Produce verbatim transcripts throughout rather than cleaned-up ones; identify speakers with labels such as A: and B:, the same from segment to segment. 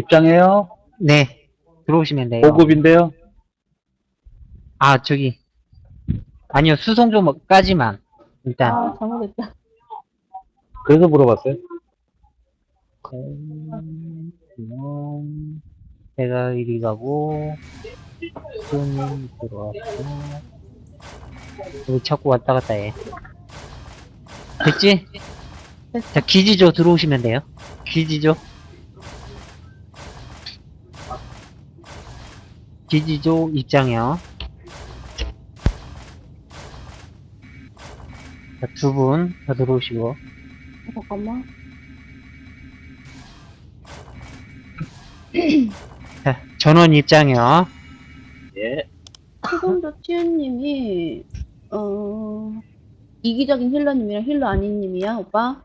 A: 입장해요?
B: 네. 들어오시면 돼요.
A: 보급인데요?
B: 아, 저기. 아니요, 수송조까지만. 일단.
C: 아, 잘못했다.
A: 그래서 물어봤어요.
B: 음, 음, 제가 이리 가고, 수님 들어왔고, 여기 자꾸 왔다 갔다 해. 됐지? 자, 기지조 들어오시면 돼요. 기지조. 기지조 입장이요. 자, 두 분 다 들어오시고.
C: 잠깐만.
B: 자, 전원 입장이요.
A: 예.
C: 최선조 치유님이, 어, 이기적인 힐러님이랑 힐러 아니님이야, 오빠?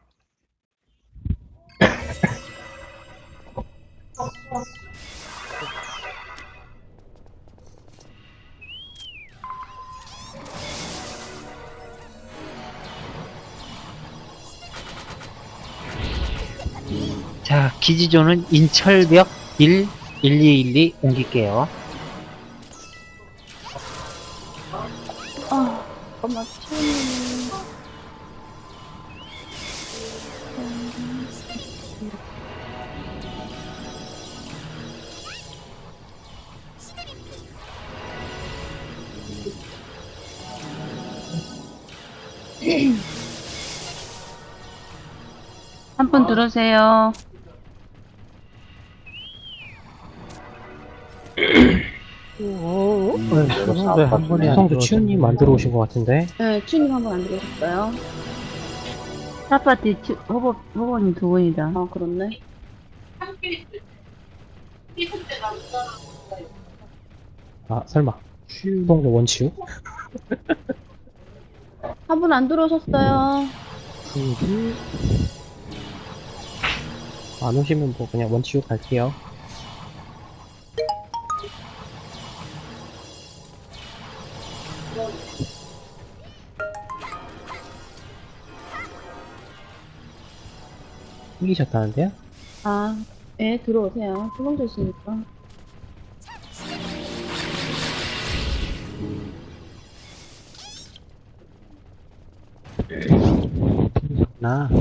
B: 자, 기지조는 인철벽 일, 일이일이 옮길게요.
C: 아, 잠깐만, 치유님이.
D: 한 분 들어오세요.
A: 한 분이
E: 수성도 치우님 만들어 오신 것 같은데.
C: 네, 치유님 한 번 안 들어오셨어요.
D: 아파트 후보, 후보님 두 분이다.
C: 아, 그렇네.
E: 아 설마 수성도 원치우?
C: 한 분 안 들어오셨어요.
E: 치우기. 안 오시면 뭐 그냥 원치우 갈게요. 이기셨다는데요?
C: 아, 예, 들어오세요. 수성조 씨니까.
E: 나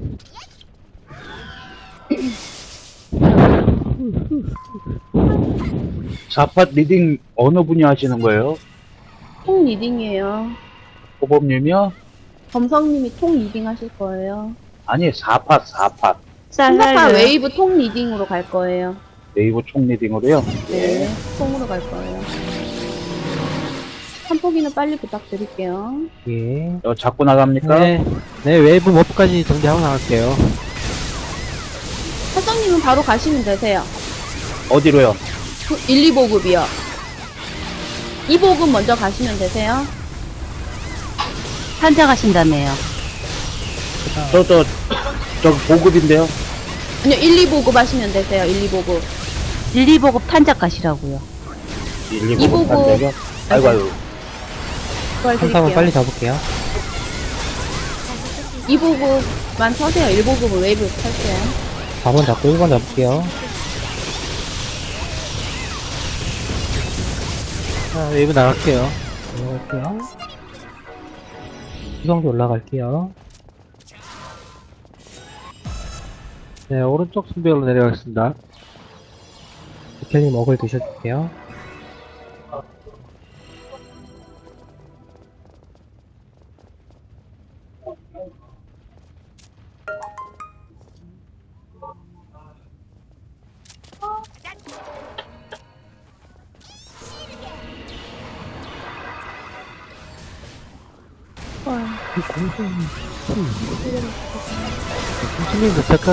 A: 사팟 리딩 어느 분이 하시는 거예요?
C: 통 리딩이에요.
A: 호범님이요?
C: 검성님이 통 리딩 하실 거예요.
A: 아니, 사팟, 사팟.
C: 신사파 웨이브 통 리딩으로 갈 거예요.
A: 네이버 총 리딩으로요?
C: 네, 통으로 갈 거예요. 한 포기는 빨리 부탁드릴게요.
E: 예.
A: 어, 자꾸 나갑니까?
E: 네, 네 웨이브 머프까지 정리하고 나갈게요.
C: 사장님은 바로 가시면 되세요.
A: 어디로요?
C: 일, 이 보급이요. 이 보급 먼저 가시면 되세요.
D: 환자 가신다며요.
A: 저, 저, 저 보급인데요?
C: 아니요, 일, 이 보급 하시면 되세요. 일, 이 보급.
D: 일, 이 보급 탄작 가시라고요.
A: 일,
C: 이 보급.
A: 판대요? 아이고, 아이고.
C: 그걸
E: 한상은
C: 드릴게요.
E: 빨리 잡을게요.
C: 이 보급만 서세요. 일 보급은 웨이브 탈게요.
E: 사 번 잡고 일 번 잡을게요. 자, 웨이브 나갈게요. 올라갈게요. 수성도 올라갈게요. 네, 오른쪽 순별로 내려가겠습니다. 이태님 먹을 드셔줄게요. 공주님 도착한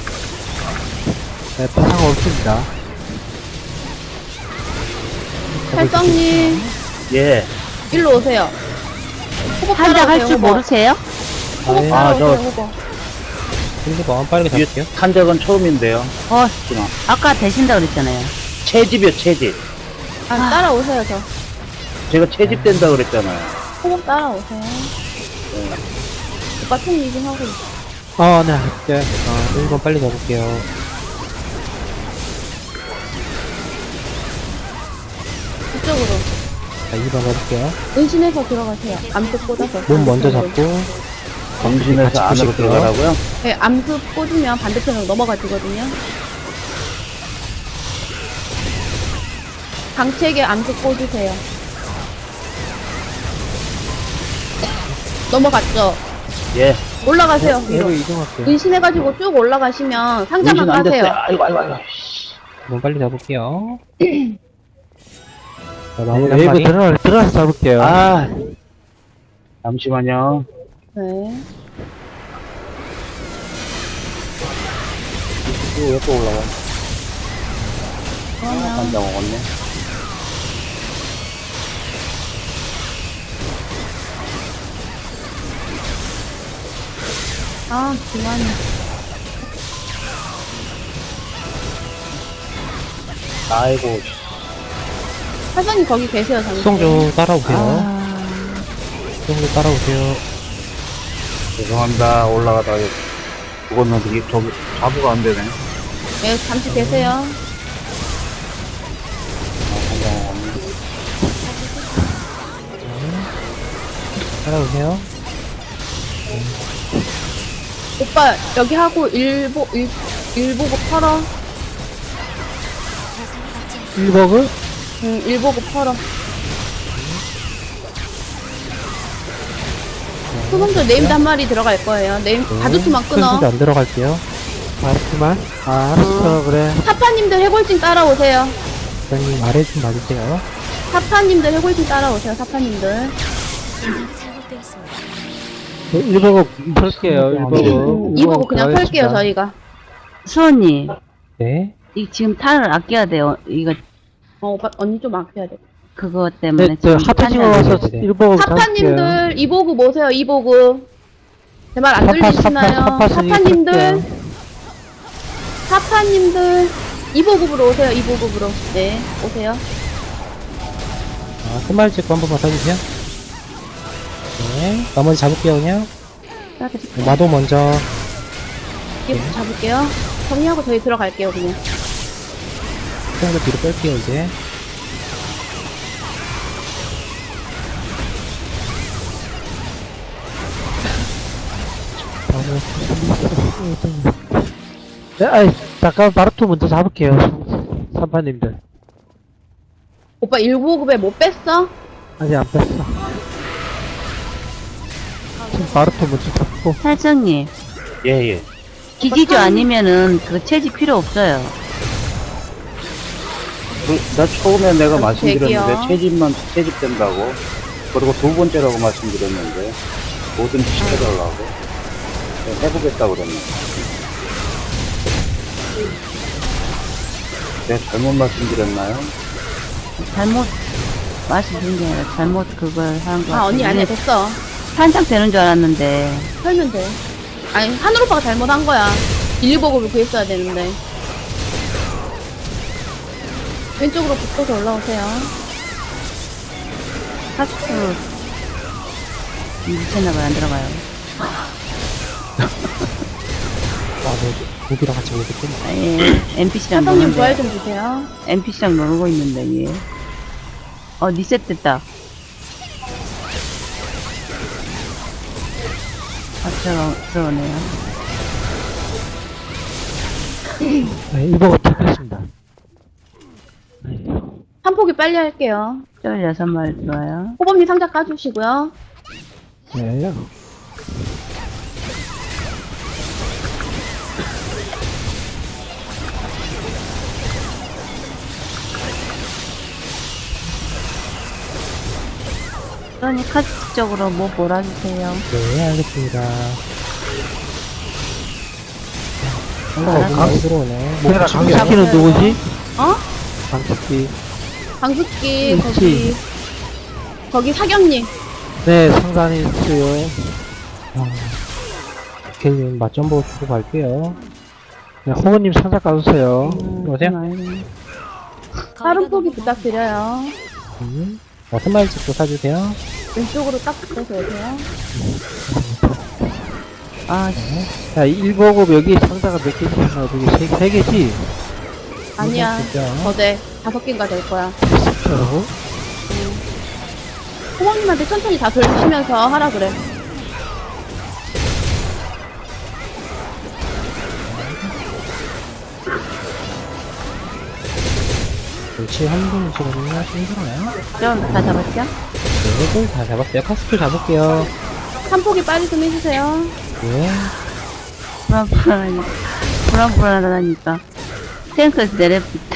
E: 네, 파상 없습니다.
C: 살성님,
A: 예.
C: 일로 오세요. 호법
D: 탄작 할
C: 따라오세요,
D: 줄
C: 호법.
D: 모르세요?
C: 호법
E: 네.
A: 아,
C: 따라오세요,
A: 저-
C: 호법.
E: 근데 뭐 빠르게
A: 뒤에
E: 잡을게요.
A: 탄 적은 처음인데요.
D: 어,
A: 지금.
D: 아까 되신다 그랬잖아요.
A: 채집이요, 채집.
C: 아, 따라오세요, 저.
A: 제가 채집된다 그랬잖아요.
C: 호법 따라오세요. 오빠 통 리딩 하고 있어.
E: 아, 네, 할게요. 아, 일 번 빨리 잡을게요.
C: 이쪽으로.
E: 자, 이 번 가볼게요.
C: 은신해서 들어가세요. 암수 꽂아서.
E: 몸 먼저 잡고,
A: 정신에서
E: 같이
A: 안으로
E: 보실게요.
A: 들어가라고요?
C: 네, 암수 꽂으면 반대편으로 넘어가지거든요. 강책에 암수 꽂으세요. 넘어갔죠?
A: 예.
C: 올라가세요.
E: 얘로
C: 위로.
E: 이동할게요.
C: 은신해가지고 쭉 올라가시면 상자만
A: 정신 안 됐어요.
C: 까세요.
A: 아이고, 아이고, 아이고.
E: 몸 빨리 잡을게요. 자, 마무리 한
F: 웨이브
E: 마리.
F: 들어가, 들어가서 잡을게요.
A: 아. 잠시만요.
C: 네.
A: 이거 왜 또 올라와?
C: 그러면
A: 한장 먹었네.
C: 아, 그만해.
A: 아이고.
C: 사장님 거기 계세요, 잠시.
E: 수송조 따라오세요.
C: 아,
E: 수송조 따라오세요.
A: 죄송합니다. 올라가다가 그거는 되게 저기 자부가 안 되네.
C: 네, 잠시 계세요.
A: 아, 한장 먹었네.
E: 따라오세요.
C: 오빠, 여기 하고 일보, 일, 일보고 털어.
F: 일 버그?
C: 응, 일보고 털어. 수봉조 네임드 한 마리 들어갈 거예요. 네임, 바두투만 끊어.
E: 큰수도 안 들어갈게요.
F: 알았지만. 아, 알았어, 그래.
C: 사파님들 해골진 따라오세요.
E: 부장님 아래 좀 봐주세요.
C: 사파님들 해골진 따라오세요, 사파님들.
F: 일 버그 털게요, 일 버그.
C: 음, 이보고 그냥 털게요, 저희가.
D: 수원님,
E: 네.
D: 이 지금 탄을 아껴야 돼요. 이거,
C: 어, 오빠, 언니 좀 아껴야 돼.
D: 그거 때문에.
F: 네, 저
D: 지금
F: 하트징어
D: 탄이 안
F: 와서
E: 네, 네.
F: 일 버그 잡을게요.
C: 사파님들, 이보고 모세요, 이보고. 제 말 안
F: 사파,
C: 들리시나요?
F: 사파, 사파
C: 사파님들,
F: 쓸게요.
C: 사파님들, 이보급으로 오세요, 이보급으로. 네, 오세요.
E: 아, 끝말 찍고 한 번만 써주세요. 네. 나머지 잡을게요, 그냥. 마도 먼저.
C: 이부터 잡을게요. 정리하고 저희 들어갈게요, 그냥.
E: 수송조 뒤로 뺄게요, 이제.
F: 네, 아이, 잠깐 바루토 먼저 잡을게요. 삼파님들.
C: 오빠 일보급에 못 뺐어?
F: 아직 안 뺐어. 지금 바루토 먼저 잡고.
D: 살성님,
A: 예, 예.
D: 기지조 아니면은 그 채집 필요 없어요.
A: 그, 나 처음에 내가
C: 아,
A: 말씀드렸는데,
C: 대기요.
A: 채집만 채집된다고. 그리고 두 번째라고 말씀드렸는데, 뭐든지 시켜달라고. 네, 해보겠다고 그랬네. 내가 잘못 말씀드렸나요?
D: 잘못 말씀드린 게 아니라 잘못 그걸 한 거.
C: 아, 언니 아니야, 됐어.
D: 탄착 되는 줄 알았는데.
C: 털면 돼. 아니, 하늘 오빠가 잘못한 거야. 일보급을 구했어야 되는데. 왼쪽으로 붙어서 올라오세요.
D: 하트. 미쳤나봐요, 안 들어가요.
E: 아, 너, 무기랑 같이 오겠구나.
D: 아, 예. 엔피씨랑
C: 사장님 부활
D: 노는데.
C: 좀 주세요.
D: 엔피씨랑 놀고 있는데, 예. 어, 리셋 됐다. 아, 들어, 들어오네요.
F: 네, 일 버그 털겠습니다.
C: 한 포기 빨리 할게요.
D: 쫄 여섯 마리 들어와요.
C: 호범님 상자 까주시고요.
F: 네.
D: 그러니 카드 쪽으로 뭐 몰아주세요.
E: 네, 알겠습니다.
D: 아,
E: 어, 강 들어오네. 뭐
F: 내가
E: 붙일게요.
F: 강식기는 누구지?
C: 어?
F: 강식기.
C: 강숙기,
F: 그렇지.
C: 거기. 거기 사경님.
F: 네, 상단이 있어요.
E: 개님 맛좀 보고 주고 갈게요.
F: 네, 호구님 상자 까주세요.
E: 여보세요?
D: 음,
C: 다른 포기 부탁드려요.
E: 음. 어, 스마일 찍고 사주세요.
C: 왼쪽으로 딱 붙어서 오세요.
D: 아,
F: 자, 일 버그 여기 상자가 몇 개지? 하나, 둘, 셋, 세, 세 개지?
C: 아니야.
E: 그죠?
C: 거대. 다섯 개인가 될 거야.
F: 그렇죠.
C: 호박님한테 천천히 다 돌리시면서 하라 그래.
E: 멸치 한 분이시거든요. 힘들어요?
D: 좀 다 잡았죠?
E: 네, 분 다 잡았어요. 카스트 잡을게요.
C: 한 포기 빨리 좀 해주세요.
E: 네.
D: 불안불안하니까. 불안불안하다니까. 탱크에서 내려붙다.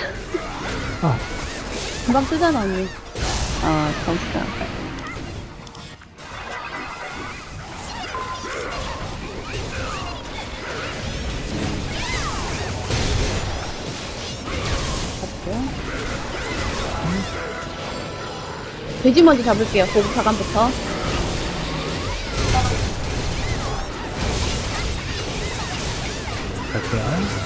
C: 금방 쓰잖아, 언니.
D: 어, 정수다.
C: 돼지 먼저 잡을게요. 고급 사관부터.
E: 갈게요.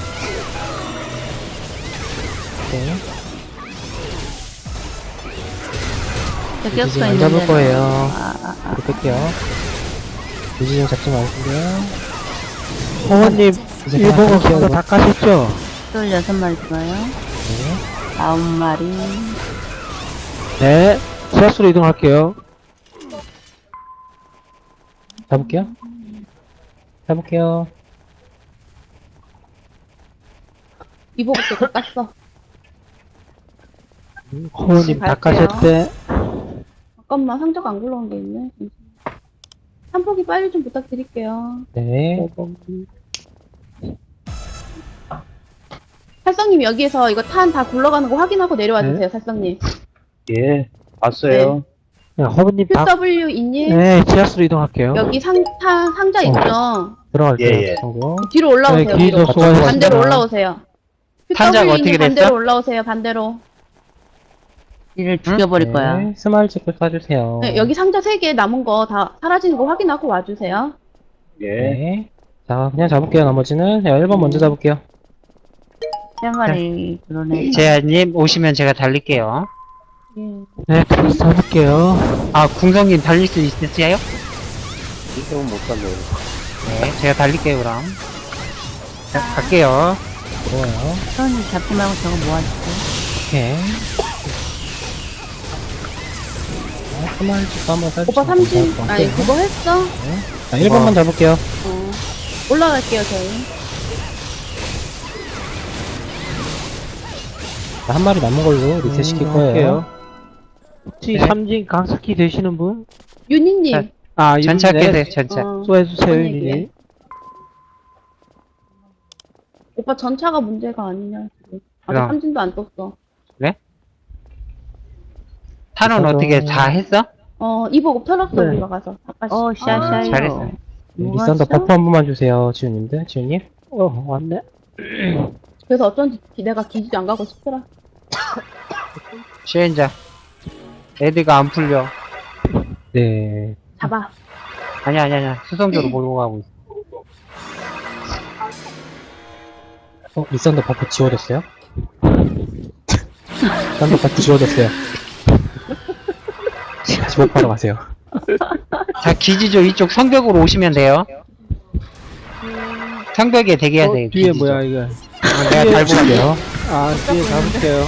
E: 네.
D: 저격수
E: 이제 안
D: 있는
E: 잡을
D: 데로.
E: 거예요.
D: 아, 아, 아.
E: 이렇게 뺄게요. 유지 좀 잡지 마시고요.
F: 호원님,
E: 이제
F: 일본어
E: 다
F: 그거 다 까셨죠?
D: 쫄 여섯 마리 들어요.
E: 네.
D: 아홉 마리.
F: 네. 지하수로 이동할게요.
E: 잡을게요. 잡을게요.
C: 이보부터 다 깠어.
F: 호원님 다
C: 갈게요.
F: 까셨대.
C: 잠깐만, 상자가 안 굴러온 게 있네. 한 포기 빨리 좀 부탁드릴게요.
E: 네.
C: 살성님 여기에서 이거 탄 다 굴러가는 거 확인하고 내려와
F: 네.
C: 주세요, 살성님.
A: 예, 봤어요.
F: 네, 호원님 다,
C: 큐더블유 인님
F: 네, 지하수로 이동할게요.
C: 여기 상, 탄, 상자 있죠?
E: 들어갈게요.
A: 예, 예.
E: 친구.
C: 뒤로 올라오세요.
F: 네, 기도
C: 뒤로.
F: 수고하셨습니다.
C: 반대로 올라오세요.
B: 탄자가
C: 큐더블유
B: 어떻게
C: 인님
B: 됐어?
C: 반대로 올라오세요, 반대로.
D: 이를 죽여버릴 거야.
E: 네. 스마일 체크 쏴주세요.
C: 네, 여기 상자 세 개 남은 거 다 사라지는 거 확인하고 와주세요.
A: 예.
E: 네. 자, 그냥 잡을게요. 나머지는. 자, 일 번 먼저 잡을게요.
D: 세 마리 들어오네.
B: 제아님 오시면 제가 달릴게요.
C: 예.
F: 네, 들어서 잡을게요.
B: 아, 궁성님 달릴 수 있으세요?
A: 이쪽은 못 살려요.
B: 네, 제가 달릴게요, 그럼. 자, 갈게요.
E: 좋아요.
D: 손이 잡지 말고 저거 모아주세요.
E: 오케이. 자, 스마일 체크 한번 쏴주시면
C: 오빠 삼진,
E: 감사할 것
C: 아니,
E: 같아요.
C: 그거 했어?
E: 자, 일 번만 잡을게요.
C: 어. 올라갈게요, 저희.
E: 자, 한 마리 남은 걸로 리셋 시킬
F: 음,
E: 거예요.
F: 할게요. 혹시
E: 네.
F: 삼진 강스키 되시는 분?
C: 윤희님.
B: 자,
F: 아,
B: 전차
F: 이분이네.
B: 깨세요, 전차.
C: 어,
F: 쏘해주세요,
C: 뭔 얘기해?
F: 윤희.
C: 오빠 전차가 문제가 아니냐, 지금. 아직
B: 그럼.
C: 삼진도 안 떴어.
B: 탄원
E: 저도-
B: 어떻게 다 했어?
C: 어, 이보고 털었어,
F: 네.
C: 우리가 가서. 아까
D: 어, 샤샤요.
B: 잘했어요.
E: 네,
D: 뭐가
E: 리산더
D: 있어?
E: 버프 한 번만 주세요, 지훈님들. 지훈님.
F: 어, 왔네.
C: 그래서 어쩐지 내가 기지도 안 가고 싶더라.
B: 시행자. 애들가 안 풀려.
E: 네.
C: 잡아.
B: 아니야, 아니야, 아니야. 수성조로 몰고 가고 있어.
E: 어, 리산더 버프 지워졌어요? 리산더 버프 지워졌어요. 다시 복하러 가세요.
B: 자, 기지조 이쪽 성벽으로 오시면 돼요. 성벽에 대기해야
F: 어,
B: 돼요.
F: 뒤에
B: 기지조.
F: 뭐야, 이거.
B: 어, 내가 달고 갈게요.
F: 아, 뒤에 잡을게요.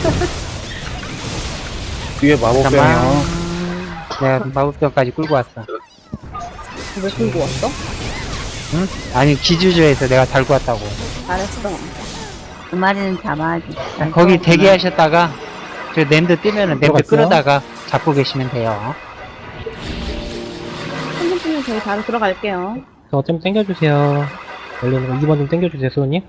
A: 뒤에 마법병이요.
B: 잠깐만. 내가 마법병까지 끌고 왔어.
C: 왜 끌고 왔어?
B: 응? 아니, 기지조에서 내가 달고 왔다고.
C: 잘했어.
D: 두 마리는 잡아야지.
B: 거기 대기하셨다가, 저 램드 뜨면은 램드
E: 들어갔어요?
B: 끌어다가 잡고 계시면 돼요.
C: 삼진 뜨면 저희 바로 들어갈게요.
E: 저 좀 땡겨주세요. 열리는 거 이 번 좀 땡겨주세요, 수호님.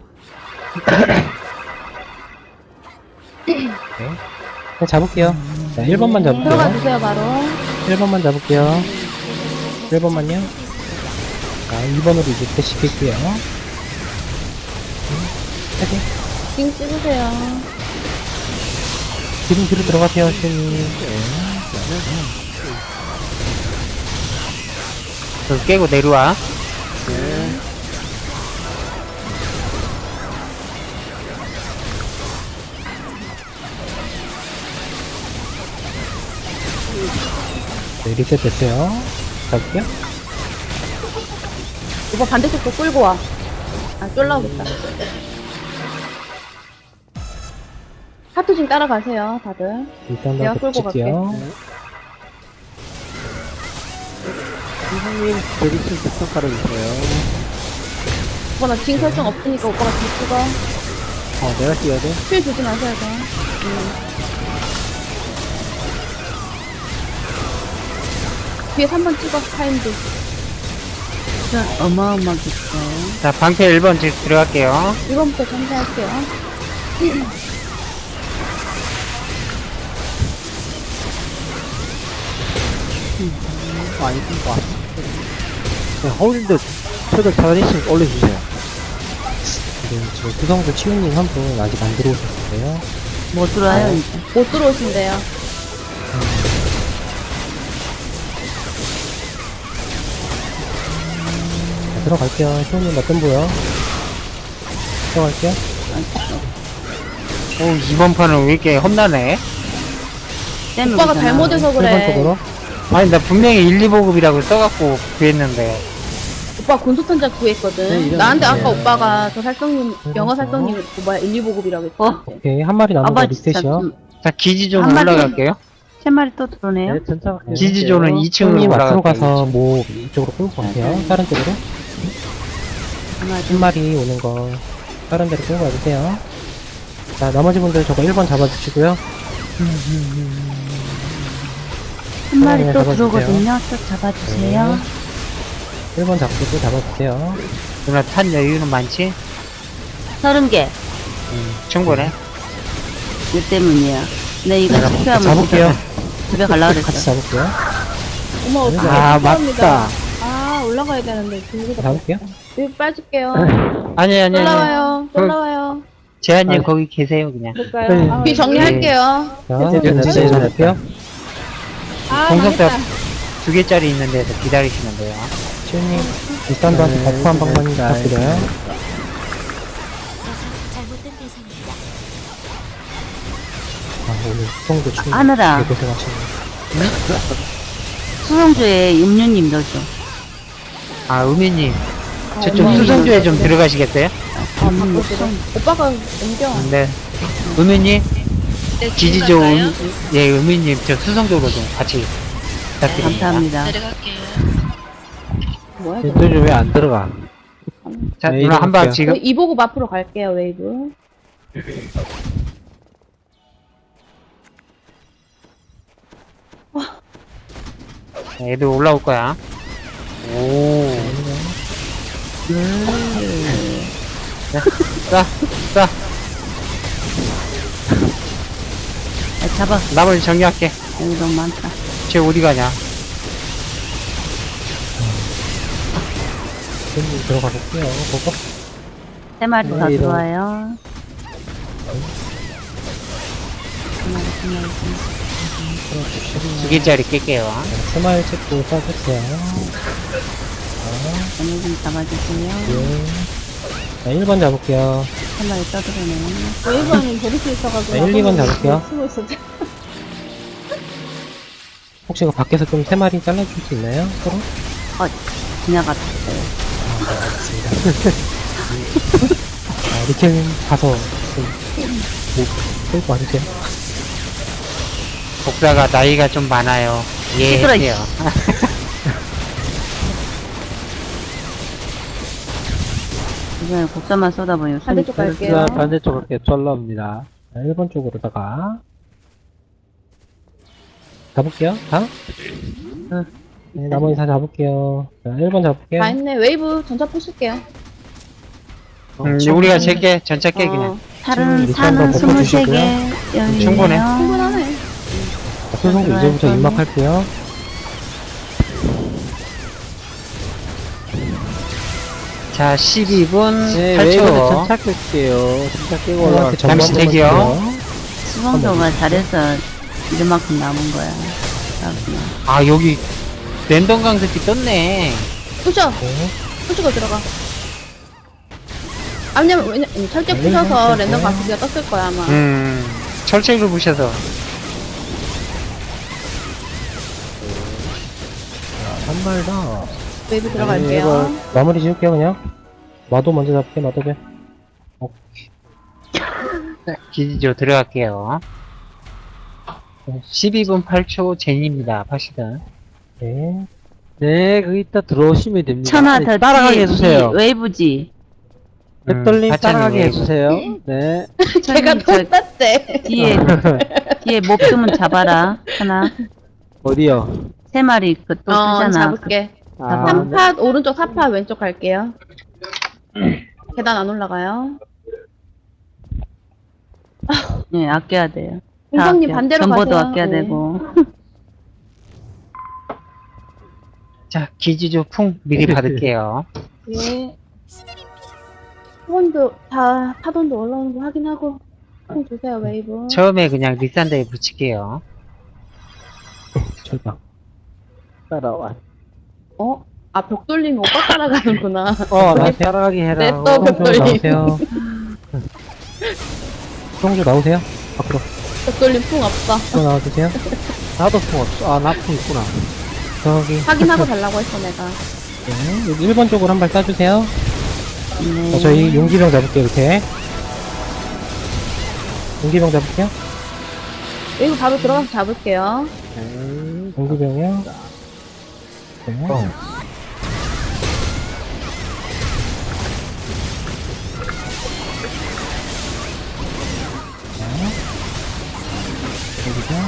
E: 네. 그냥 잡을게요. 자, 일 번만
C: 들어가
E: 잡을게요.
C: 주세요, 바로.
E: 일 번만 잡을게요. 일 번만요. 자, 이 번으로 이제 패시킬게요. 파이팅.
C: 징 찍으세요.
E: 지금 뒤로 들어가세요, 수호님.
B: 저 깨고 내려와.
E: 네, 리셋 됐어요. 잡을게요.
C: 오빠 반대쪽도 끌고 와. 아, 쫄라오겠다. 하트 좀 따라가세요, 다들.
E: 일단
C: 내가
E: 더
C: 끌고
E: 붙일게요.
F: 이분님 저기 좀 특성 깔아주세요.
C: 오빠 나 징 설정 없으니까 오빠가 징 찍어.
F: 어, 내가 뛰어야 돼?
C: 힐 주지 마셔야 돼. 응. 뒤에 삼 번 찍어, 타임도.
D: 진짜 어마어마하게 있어요.
B: 자, 방패 일 번 지- 들어갈게요.
C: 이번부터 전개할게요.
F: 아, 이쁜 거 같아. 네, 허울인데 최대 자리씩 올려주세요.
E: 네, 지금 구성도 치우님 한 분 아직 안 들어오셨는데요.
D: 못 들어와요, 이제.
C: 못 들어오신대요.
E: 자, 들어갈게요. 치우님 어떤 보여? 들어갈게요.
B: 오, 이번 판은 왜 이렇게 험나네?
D: 땜을
C: 오빠가
D: 보잖아.
C: 잘못해서
E: 일 번
C: 그래.
E: 쪽으로.
B: 아니, 나 분명히 일, 이 보급이라고 써갖고 구했는데.
C: 오빠 군소탄자 구했거든.
F: 네, 이런
C: 나한테
F: 거.
C: 아까 오빠가 저 살성님,
E: 네,
C: 영어
E: 그렇죠.
C: 살성님, 그 뭐야, 일, 이 보급이라고 했지.
D: 어?
E: 오케이. 한 마리 남은 거
D: 아빠 진짜
E: 리셋이요.
D: 좀-
B: 자, 기지존
D: 한 마리-
B: 올라갈게요.
D: 세 마리 또 들어오네요.
F: 네, 전차
B: 기지존은 이 층으로
E: 치우님 앞으로
B: 올라갈게요.
E: 가서 뭐 이쪽으로 끌고 가세요. 다른 쪽으로.
D: 하나,
E: 한 마리 오는 거 다른 데로 끌고 가주세요. 자, 나머지 분들 저거 일 번 잡아주시고요.
D: 한 마리
E: 네,
D: 또
E: 잡아주세요.
D: 들어오거든요. 또 잡아주세요.
E: 일 번 잡고 또 잡아주세요.
B: 누나 탄 여유는 많지?
D: 서른 개.
B: 음, 충분해.
D: 이 때문이에요. 네, 이거 실패하면
E: 잡을게요.
D: 집에, 집에 가려고
E: 같이
D: 그랬어.
E: 잡을게요.
C: 어머, 어떡해.
F: 아,
C: 죄송합니다.
F: 맞다.
C: 아, 올라가야 되는데. 중국에
E: 잡을게요.
C: 여기 빠질게요.
B: 아니, 아니, 아니.
C: 올라와요.
B: 그-
C: 올라와요.
B: 재한님
E: 아.
B: 거기 계세요, 그냥.
C: 볼까요?
F: 네.
C: 아, 뒤 정리할게요.
E: 자,
F: 네, 네,
E: 이제
F: 네,
E: 잡을게요.
C: 아,
B: 공성탑
C: 망했다.
B: 두 개짜리 있는 데서 기다리시면 돼요.
E: 치우님, 일단도한테
F: 네,
E: 버프 한 방만
F: 네,
E: 부탁드려요.
G: 잘못된 대상입니다.
E: 아, 오늘 수성도 치우님
D: 하늘아.
E: 되게 고생하시네.
D: 수성주에 음료님 넣어줘.
B: 아, 우미님.
C: 아,
B: 저쪽
C: 엄마.
B: 수성주에 좀 들어가시겠어요?
C: 아, 바꿔주세요. 오빠가 옮겨.
B: 네. 우미님. 기지조, 음, 예, 우미님. 저 수성주로 좀 같이 부탁드립니다.
D: 감사합니다.
C: 뭐야, 이거.
F: 왼쪽이 왜 안 들어가?
B: 자,
F: 네,
B: 누나 한 방
F: 이동할게요.
B: 지금.
C: 이 보급 앞으로 갈게요, 웨이브.
B: 애들 올라올 거야. 오. 자, 자, 자.
D: 아, 잡아.
B: 나머지 정리할게.
D: 여기 너무 많다.
B: 쟤 어디 가냐?
E: 치우님 들어가 볼게요. 보고.
D: 세 마리 더
F: 네, 이런.
D: 들어와요. 세 마리, 세 마리, 세 마리.
B: 두 개짜리 깰게요.
E: 스마일 찍고 써주세요.
D: 얘네 좀 잡아주세요.
E: 예. 자, 일 번 잡을게요.
D: 세 마리 떠들어내요.
C: 웨이브는 버릴 수 있어가지고.
E: 네, 일, 이 번 잡을게요.
C: 쓰고 있었지.
E: 혹시 그 밖에서 좀 세 마리 잘라줄 수 있나요? 서로?
D: 지나갔어요.
E: 아, 리켈님 가서 좀, 뭐, 끌고 와주세요.
B: 복사가 나이가 좀 많아요.
D: 시끄러,
B: 이해해요.
D: 이번에 곡선만 쏟아보니
C: 반대쪽
D: 손이
C: 갈게요.
F: 자, 반대쪽 갈게요. 쫄라옵니다.
E: 자, 일 번 쪽으로다가. 잡을게요. 다? 네, 나머지 다 잡을게요. 자, 일 번 잡을게요.
C: 다 했네. 웨이브 전차 부실게요.
B: 음, 우리가 제게 전차 깨 그냥.
C: 어,
D: 살은,
E: 지금
D: 산은
E: 일단
D: 스물세
E: 덮어주시고요.
D: 개 여유
B: 충분해.
D: 있네요.
C: 충분하네.
E: 자, 소송도 이제부터
D: 저는-
E: 입막할게요.
B: 자, 십이 분
F: 네,
B: 팔
F: 웨이브는
B: 초.
F: 전차 끌게요. 전차 깨고 올라갈
E: 형한테 전부
B: 잠시
E: 한 번만
B: 대기요.
E: 주세요.
D: 수성도가 잘해서 이만큼 남은 거야. 그렇구나.
B: 아, 여기 랜덤 강습기 떴네.
C: 부셔.
E: 네.
C: 부시고 들어가. 아, 왜냐면, 왜냐, 음, 철제
E: 네,
C: 부셔서
E: 네,
C: 랜덤
E: 네.
C: 가스기가 떴을 거야, 아마.
B: 음, 철책을 부셔서.
E: 한 발 더.
C: 웨이브 들어갈게요.
E: 마무리 지을게요, 그냥. 마도 먼저 잡게, 마도배.
B: 기지조 들어갈게요. 십이 분 팔 초 제니입니다. 파시든.
E: 네.
F: 네, 거기 있다 들어오시면 됩니다.
D: 천하
F: 네,
D: 더
F: 따라가게
D: 뒤에
F: 해주세요.
D: 이 웨이브지.
F: 백돌림
B: 음,
F: 따라가게
B: 하천이
F: 해주세요. 네.
C: 제가
D: 천님, 저
C: 돈 땄대.
D: 뒤에 뒤에 목숨은 잡아라. 하나
F: 어디요?
D: 세 마리 그또
C: 어,
D: 뜨잖아.
C: 잡을게.
F: 아,
C: 삼 팟 오른쪽, 사 팟 왼쪽 갈게요. 계단 안 올라가요.
D: 네, 아껴야 돼요. 다
C: 공성님
D: 아껴.
C: 반대로
D: 전보도
C: 가세요.
D: 아껴야
C: 네.
D: 되고.
B: 자, 기지조 풍 미리 받을게요.
C: 예. 파돈도 다 파돈도 올라오는 거 확인하고 좀 주세요 웨이브.
B: 처음에 그냥 리산더에 붙일게요.
E: 철방.
F: 따라와.
C: 어? 아 벽돌림 오빠 따라가는구나.
F: 어, 나 따라가게 해라.
C: 네, 또
F: 어,
C: 벽-
E: 수성조 나오세요. 수성조 나오세요. 앞으로.
C: 벽돌림 풍 없어.
E: 또 나와주세요.
F: 나도 풍 없어. 아, 나 풍 있구나.
E: 저기.
C: 확인하고 달라고 했어 내가.
E: 네, 여기 일 번 쪽으로 한 발 쏴주세요.
D: 네.
E: 자, 저희 용기병 잡을게요, 이렇게. 용기병 잡을게요.
C: 웨이브 바로 들어가서 잡을게요.
F: 음,
E: 용기병이요. 네. 용기병.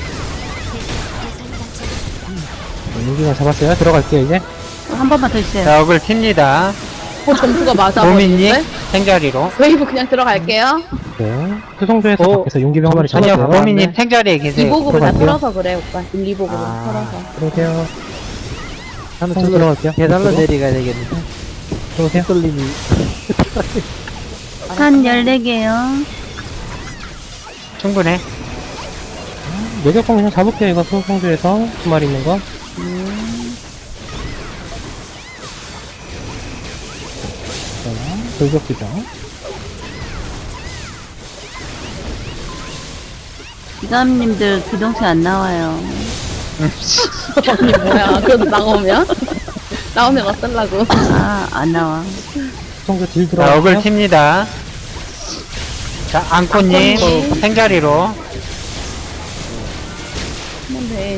E: 네, 용기병 잡았어요. 들어갈게요, 이제.
D: 한 번만 더 주세요.
B: 자, 억을 튑니다.
C: 어 점수가 맞아.
B: 도민님,
C: 버리는데?
B: 생자리로.
C: 웨이브 그냥 들어갈게요.
E: 네. 수성조에서
F: 어,
E: 밖에서 용기병 한 마리
B: 아니요,
E: 잡았어요.
B: 도민님 생자리에 계세요.
C: 이보급을 다
E: 들어갈게요.
C: 털어서 그래 오빠. 일리보급을
B: 아.
C: 털어서.
E: 들어오세요.
F: 나는
E: 성
F: 저기로
E: 들어갈게요.
F: 계단로
E: 이쪽으로.
F: 내려가야 되겠는데.
E: 들어오세요.
F: 백돌림이.
D: 산 열네 개요.
B: 충분해.
E: 매격공 그냥 잡을게요, 이거 수성조에서 두 마리 있는 거. 자, 돌격기병.
D: 기감님들 기동체 안 나와요.
C: 언니 뭐야? 그래도 나오면 나오면 어떨라고?
D: 아, 안 나와.
E: 수성조 딜
B: 자, 억을
E: 들어갈게요.
B: 튑니다. 자, 앙코님,
C: 앙코님.
B: 생자리로.
C: 네.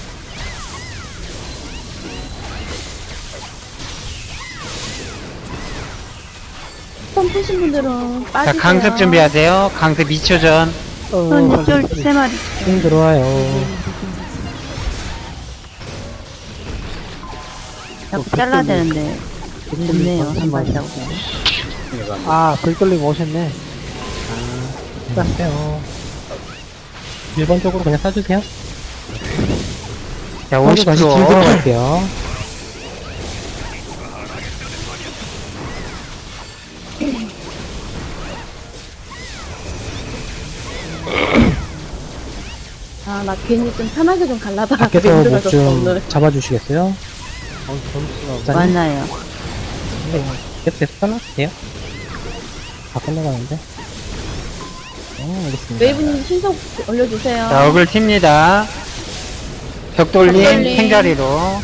C: 처음 푸신 분들은
B: 자,
C: 빠지세요.
B: 강습 준비하세요. 강습 이 초 전.
D: 손 쫄세 마리.
E: 딜 들어와요.
D: 자꾸 잘라야 되는데. 없네요. 한 마리 잡고.
F: 아, 백돌림 오셨네.
E: 쐈어요. 일 번 쪽으로 그냥 쏴주세요.
B: 자,
E: 수성조
B: 오십
E: 다시 딜
B: 초.
E: 들어갈게요.
C: 아, 나 괜히 좀 편하게 좀 갈라다.
E: 밖에서
C: 힘들어졌어,
E: 뭐 좀
C: 오늘.
E: 잡아주시겠어요?
F: 어, 점수가.
E: 짠.
D: 많아요.
E: 네, 계속 계속 잘라주세요. 다 끝나가는데. 어, 알겠습니다.
C: 웨이브님 신속 올려주세요.
B: 자, 억을 튑니다. 벽돌림,
C: 벽돌림.
B: 생자리로.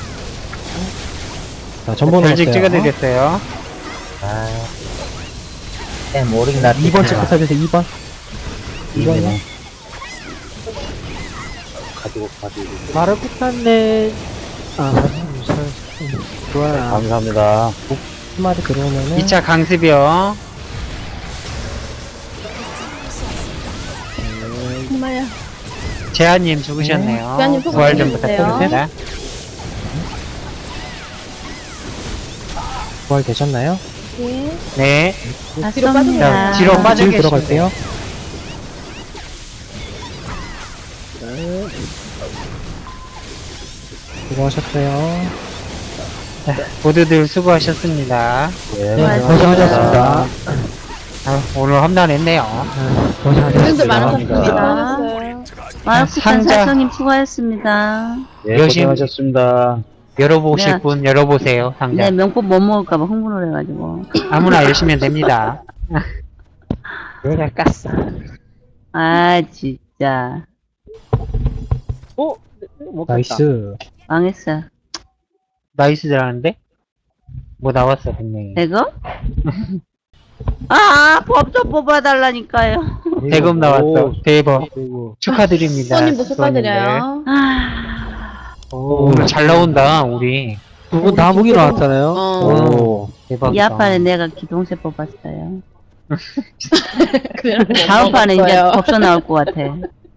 E: 자, 전번
B: 별직
E: 넣었어요.
B: 찍어드렸어요.
E: 이 번 찍고 사주세요, 이 번. 이 번이요.
A: 가지고 가지고.
F: 말을 못했네. 아, 음, 좋아요.
A: 감사합니다.
E: 한 마리 들어오면은.
B: 이 차 강습이요.
C: 정말요.
B: 재한님 죽으셨네요.
C: 재한님 소개
B: 부활 좀
C: 해주세요.
B: 부탁드립니다.
E: 부활 되셨나요?
C: 네.
B: 네.
D: 다
C: 뒤로
D: 쏩니다.
B: 자, 뒤로
E: 딜
B: 빠져 계시면
E: 들어갈게요. 수고하셨어요.
B: 모두들 수고하셨습니다.
A: 예,
E: 네,
F: 고생하셨습니다.
B: 아, 오늘 험난했네요.
C: 분들
A: 감사합니다.
C: 많으셨습니다.
D: 마르쿠탄
B: 상자.
D: 살성님 수고하셨습니다.
A: 예,
B: 열심히-
A: 고생하셨습니다.
B: 열어보실
D: 네.
B: 분 열어보세요. 상자.
D: 네, 명품 못 먹을까봐 흥분을 해가지고.
B: 아무나 열시면 됩니다.
F: 내가 깠어.
D: 아, 진짜.
F: 어? 못 갔다.
E: 나이스.
D: 망했어.
B: 나이스들 하는데? 뭐 나왔어, 분명히.
D: 대금? 아, 법 좀 뽑아달라니까요.
B: 대금 나왔어. 대박.
F: 그리고
B: 축하드립니다.
C: 수원님 뭐
B: 수원님들.
C: 축하드려요.
D: 아,
B: 오늘 잘 나온다, 우리.
F: 두 분 다 무기 나왔잖아요.
G: 어.
F: 오.
B: 대박이다.
D: 이 아빠는 내가 기동세 뽑았어요.
G: 그냥
D: 다음 판에 이제
G: 먹었어요.
D: 법서 나올 것 같아.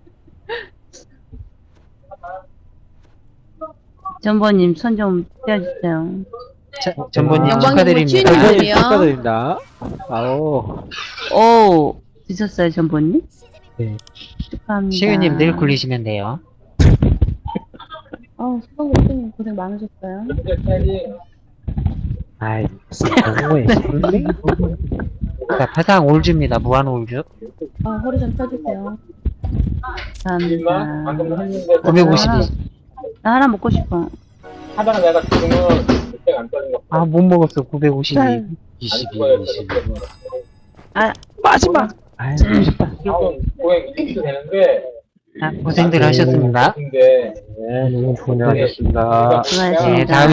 D: 전보님 손 좀 떼어주세요.
B: 자, 전번님
G: 영광님
B: 축하드립니다.
G: 뭐
F: 전보님
G: 이름이요?
F: 축하드립니다. 아오.
D: 오, 드셨어요, 전보님?
F: 네.
D: 축하합니다.
B: 시우님 내일 굴리시면 돼요.
C: 아우, 수박 대표님 고생 많으셨어요.
F: 아이, 무슨 너무해.
B: 자, 파상 올주입니다. 무한 올주.
C: 아, 허리 좀 펴주세요.
D: 감사합니다.
B: 구백오십이.
D: 나 하나 먹고 싶어.
B: 아, 못 먹었어. 구백오십이.
A: 이십이, 이십이.
D: 아,
F: 마지막! 아이, 멋있다.
B: 자, 고생들 하셨습니다.
F: 네, 너무 고생하셨습니다.
D: 수고하셨습니다.
B: 네, 다음에